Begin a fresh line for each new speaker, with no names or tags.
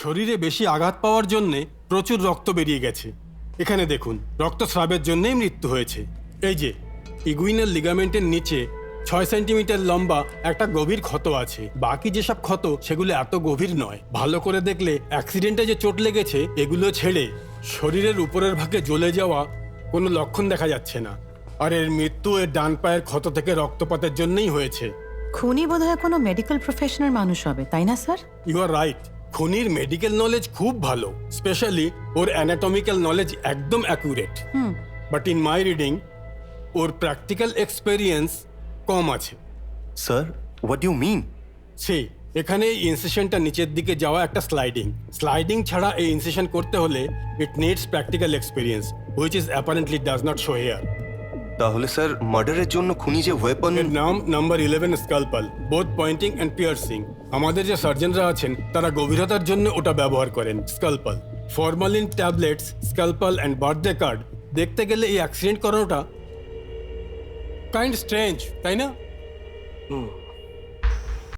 শরীরে বেশি আঘাত পাওয়ার জন্যে প্রচুর রক্ত বেরিয়ে গেছে। এখানে দেখুন, রক্তস্রাবের জন্যই মৃত্যু হয়েছে। এই যে ইগুইনাল লিগামেন্টের নিচে 6 সেন্টিমিটার লম্বা একটা গভীর ক্ষত আছে। বাকি যেসব ক্ষত সেগুলো এত গভীর নয়। ভালো করে দেখলে অ্যাক্সিডেন্টে যে চোট লেগেছে এগুলো ছেড়ে শরীরের উপরের ভাগে জ্বলে যাওয়া কোনো লক্ষণ দেখা যাচ্ছে না। আর এর মৃত্যু এর ডান পায়ের ক্ষত থেকে রক্তপাতের জন্যই হয়েছে।
খুনি বোধহয় কোনো মেডিকেল প্রফেশনাল মানুষ হবে, তাই না স্যার?
You are right. খুনির মেডিকেল নলেজ খুব ভালো, স্পেশালি ওর অ্যানাটমিক্যাল নলেজ একদম accurate. But in my reading ওর প্র্যাকটিক্যাল এক্সপেরিয়েন্স কম আছে।
Sir, what you mean?
সেই এখানে এই ইনসেশনটা নিচের দিকে যাওয়া একটা স্লাইডিং ছাড়া এই ইনসেশন করতে হলে it needs practical experience, which is apparently does not show here.
তাহলে স্যার মার্ডারের জন্য খুনি যে ওয়েপন...
এর নাম number 11 scalpel, both pointing and piercing. আমাদের যে সার্জনরা আছেন তারা গভীরতার জন্য ওটা ব্যবহার করেন, scalpel. Formalin tablets, scalpel and birthday card দেখতে গেলে এই অ্যাক্সিডেন্ট করানোটা কাইন্ড স্ট্রেঞ্জ, তাই না?